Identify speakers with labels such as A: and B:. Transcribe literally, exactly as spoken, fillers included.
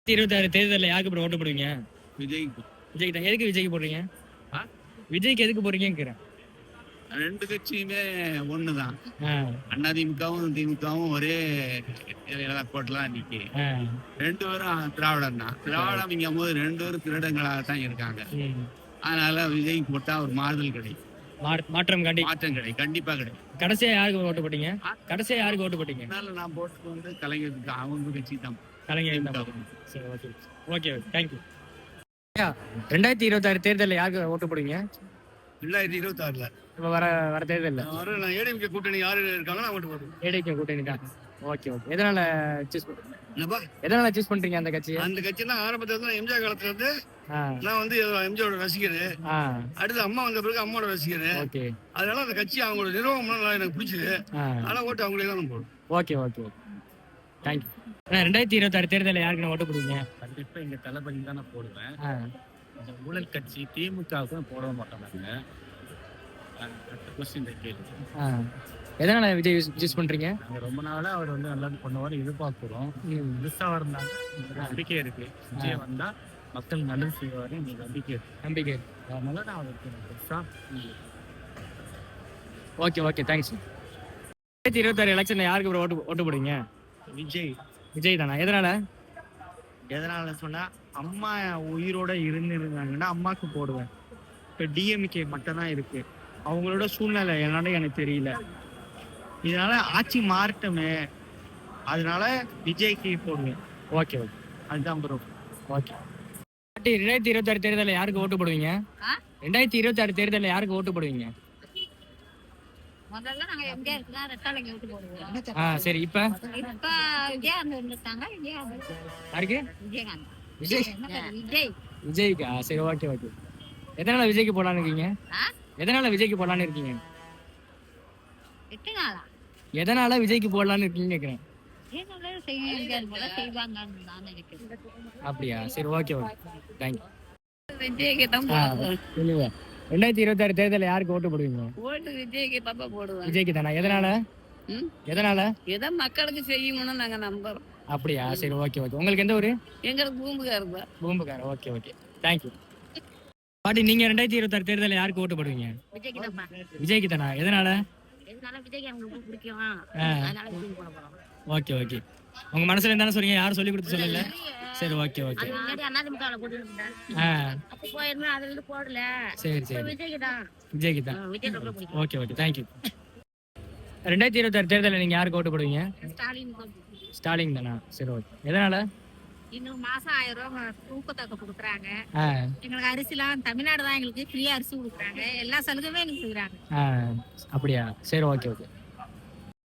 A: இருபத்தி ஆறு தேர்தலில் யாருக்கு அப்புறம் ஓட்டு போடுவீங்க?
B: விஜய்க்கு.
A: விஜய்க்கு தான். எதுக்கு விஜய்க்கு போடுறீங்க? விஜய்க்கு எதுக்கு போடுறீங்கிறேன்.
B: ரெண்டு கட்சியுமே ஒண்ணுதான். அதிமுகவும் திமுகவும் ஒரே கோட்டெல்லாம் இன்னைக்கு ரெண்டு பேரும் திராவிடம் தான். திராவிடம் போது ரெண்டு பேரும் திருடங்களாகத்தான் இருக்காங்க. அதனால விஜய் போட்டா ஒரு மாறுதல் கிடைக்கும்.
A: மாற்றம் கண்டி
B: மாற்றம் கிடைக்கும். கண்டிப்பா கிடைக்கும்.
A: கடைசியா யாருக்கு ஓட்டு போட்டீங்க? கடைசியா யாருக்கு ஓட்டு போட்டீங்க?
B: நான் போட்டு வந்து கலைஞருக்கு அவங்க கட்சி தான்.
A: கலைஞர். சரி, ஓகே ஓகே தேங்க்யூ. ரெண்டாயிரத்தி இருபத்தி ஆறு தேர்தலில் யாருக்கு ஓட்டு போடுவீங்க?
B: ரெண்டாயிரத்தி இருபத்தி ஆறுல
A: இப்போ வர வர தேர்தலில்
B: வர நான் ஏடிஎம்கே கூட்டணி யாரு இருக்காங்க நான் ஓட்டு போடுவேன்.
A: ஏடிஎம்கே கூட்டணி தான். ஓகே ஓகே எதனால சூஸ் பண்ணுறீங்க? எதனால சூஸ் பண்றீங்க அந்த கட்சி?
B: அந்த கட்சினா ஆரம்பத்துல எம்ஜிஆர் காலத்துல இருந்து நான் வந்து எம்ஜிஆரோட ரசிகர். அடுத்து அம்மா வந்த பிறகு அம்மாவோட ரசிகர்.
A: ஓகே
B: அதனால அந்த கட்சி அவங்களோட நிர்வாகம் எனக்கு பிடிச்சது. அதனால ஓட்டு அவங்களே தான் போடுவோம்.
A: Okay okay thank you. ரெண்டாயிரத்தி இருபத்தி ஆறு தேர்தலில் யாருக்கு நான் ஓட்டு போடுவீங்க?
B: கண்டிப்பா எங்க தளபதி தான் நான் போடுவேன். இந்த ஊழல் கட்சி திமுகவுக்கும் போட மாட்டாங்க.
A: எதனால விஜய் யூஸ் பண்றீங்க?
B: ரொம்ப நாளா அவர் வந்து நல்லா பண்ணுவார் எதிர்பார்க்கிறோம். புதுசா இருந்தாங்க நம்பிக்கை இருக்கு. விஜய் வந்தா மக்கள் நல்லது செய்வாரு நம்பிக்கை
A: நம்பிக்கை
B: அதனால நான் அவருக்கு பெருசா.
A: Okay okay thanks. ரெண்டாயிரத்தி இருபத்தி ஆறு எலெக்ஷன்ல யாருக்கு ஓட்டு ஓட்டு போடுவீங்க?
B: விஜய்.
A: விஜய் தானா? எதனால?
B: எதனால சொன்னா அம்மா உயிரோட இருந்து இருந்தாங்கன்னா அம்மாவுக்கு போடுவேன். இப்போ டிஎம்கே மட்டும் தான் இருக்கு. அவங்களோட சூழ்நிலை என்னன்னு எனக்கு தெரியல. இதனால ஆட்சி மாறட்டுமே, அதனால விஜய்க்கு போடுவேன்.
A: ஓகே ஓகே
B: அதுதான் ப்ரோ.
A: ஓகே. ரெண்டாயிரத்தி இருபத்தி ஆறு தேர்தலில் யாருக்கு ஓட்டு போடுவீங்க? ரெண்டாயிரத்தி இருபத்தி ஆறு தேர்தலில் யாருக்கு ஓட்டு போடுவீங்க?
C: முதல்ல நாங்க எம்ஜிஆருக்கு தான் ரெட்டாலைக்கு ஓட்டு போடுவோம்.
A: ஆ சரி. இப்ப
C: இப்ப விஜயகாந்த் வந்துட்டாங்க. விஜயகாந்த்
A: யாருக்கு?
C: விஜயகாந்த்.
A: விஜய்
C: விஜய்
A: விஜய்க்கா? சரி ஓகே ஓகே. எதனால விஜய்க்கு போடலான்னு இருக்கீங்க? எதனால விஜய்க்கு போடலான்னு இருக்கீங்க?
C: எட்டு நாளா
A: எதனால விஜய்க்கு போடலான்னு இருக்கீங்க கேக்குறேன். அப்படியா? சரி ஓகே ஓகே தேங்க்யூ.
C: விஜய்க்கு தான்
A: சொல்லுங்க. ரெண்டாயிரத்தி இருபத்தி ஆறு தேர்தலில் யாருக்கு ஓட்டு போடுவீங்க?
C: ஓட்டு விஜய்க்கு பாப்பா போடுவோம்.
A: விஜய்க்கு தானா? எதனால? எதனால?
C: ஏதோ மக்களுக்கு செய்யணும்னு நாங்க நம்புறோம்.
A: அப்படியா? சரி ஓகே ஓகே. உங்களுக்கு எந்த ஊரு?
C: எங்களுக்கு பூம்புகார் தான்.
A: பூம்புகார். Okay okay thank you. பாட்டி, நீங்க ரெண்டாயிரத்தி இருபத்தி ஆறு தேர்தலில் யாருக்கு ஓட்டு போடுவீங்க?
C: விஜய்க்கு தான்.
A: விஜய்க்கு தானா? எதனால?
C: எதனால விஜய்க்கு எனக்கு பிடிக்கும். அதனால விஜய்க்கு போட போறோம்.
A: Okay okay. உங்க மனசுல இருந்தானே சொல்றீங்க, யாரும் சொல்லி கொடுத்து சொல்லல. சரி ஓகே ஓகே.
C: அதிமுகல போட்டுட்டேன். அப்ப போயிருமே அதுல இருந்து போடல.
A: சரி சரி.
C: விஜய்க்கு தான்.
A: விஜய்க்கு தான்.
C: விஜய் ரொம்ப பிடிக்கும்.
A: Okay okay thank you. ரெண்டாயிரத்தி இருபத்தி ஆறு தேர்தலில் நீங்க யாருக்கு ஓட்டு போடுவீங்க?
C: ஸ்டாலின்.
A: ஸ்டாலின் தானா? சரி ஓகே. எதனால?
C: இன்னும் மாசம் ஆயிரம் ரூபாய் ஊக்கத்தொகை கொடுக்குறாங்க. எங்களுக்கு அரிசிலாம் தமிழ்நாடு தான் எங்களுக்கு ஃப்ரீயா அரிசி கொடுக்குறாங்க. எல்லா சலுகையுமே எங்களுக்கு செய்யறாங்க.
A: அப்படியா? சரி ஓகே ஓகே.